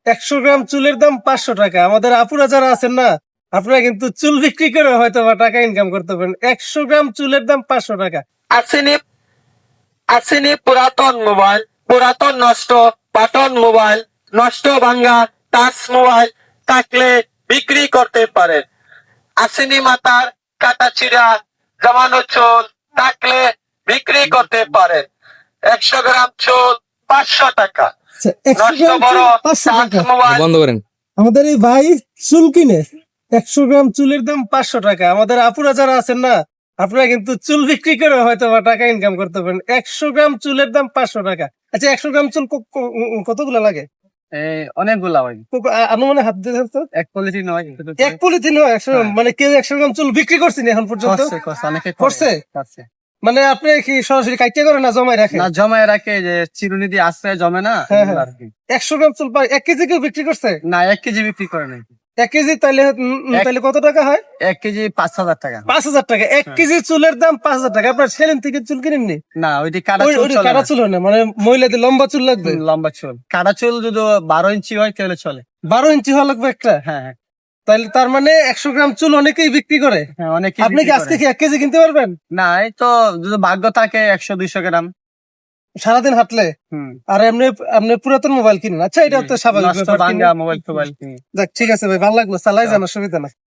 100 গ্রাম চুলের দাম 500 টাকা। আমাদের আপুরা যারা আছেন না, আপনারা কিন্তু চুল বিক্রি করে হয়তো বা টাকা ইনকাম করতে পারেন। 100 গ্রাম চুলের দাম 500 টাকা। আসেনি পুরাতন মোবাইল, পুরাতন নষ্ট বাটন মোবাইল, নষ্ট ভাঙ্গা টাচ মোবাইল থাকলে বিক্রি করতে পারেন। আসেনি মাথার কাটা চিরা জমানো চুল থাকলে বিক্রি করতে পারেন। 100 গ্রাম চুল 500 টাকা। আচ্ছা, 100 নষ্ট গ্রাম বড় চুল 500 টাচ টাকা। মোবাইল বন্ধ করেন। আমাদের এই ভাই চুল কিনে 100 গ্রাম চুলের দাম 500 টাকা। আমাদের আপুরা যারা আছেন না, আপনারা কিন্তু চুল বিক্রি করে হয়তো বা টাকা ইনকাম করতে পারেন। 100 গ্রাম চুলের দাম 500 টাকা। আচ্ছা, 100 গ্রাম চুল কতগুলো লাগে? অনেকগুলা হয়, আনুমানে হাত দিয়ে ধরতো। এক পলিথিন হয়, এক পলিথিন হয় 100 গ্রাম? মানে কেউ 100 গ্রাম চুল বিক্রি করছেন এখন পর্যন্ত? অনেকে করছে? করছে। মানে আপনি কি সরাসরি কাইটে করে না জমায় রাখেন? না, জমায় রাখে, যে চিরুনি দিয়ে আশ্রয় জমে না, হ্যাঁ, এগুলো হ্যাঁ। আর কি। 100 গ্রাম চুল 1 কেজি কেউ বিক্রি করছে? না, 1 কেজি বিক্রি করে নাই। 1 কেজি তাইলে তাইলে কত টাকা হয়? 1 কেজি 5,000 টাকা। 5,000 টাকা। 1 কেজি চুলের দাম 5,000 টাকা। আপনার সেলেন থেকে চুল কিনেননি? না, ওইটি কাটা চুল ওই চলে কাটা না। চুল হয় না, মানে মহিলাদের লম্বা চুল লাগবে। লম্বা চুল, কাটা চুল যদি 12 ইঞ্চি হয় তাহলে চলে। 12 ইঞ্চি হওয়া লাগবে একটা। হ্যাঁ, হ্যাঁ, তাইলে তার মানে 100 গ্রাম চুল অনেকেই বিক্রি করে। হ্যাঁ, অনেকে আপনি কি আজকে কি 1 কেজি কিনতে পারবেন? না, এই তো যদি ভাগ্য থাকে 100-200 গ্রাম। সারাদিন হাঁটলে? আর এমনি পুরাতন মোবাইল কিনেন? আচ্ছা, এটা তো স্বাভাবিক নষ্ট ব্যাপার। ভাঙ্গা মোবাইল টোবাইল কিনি। যাক, ঠিক আছে ভাই, ভালো লাগলো। চালাই যান, অসুবিধা না।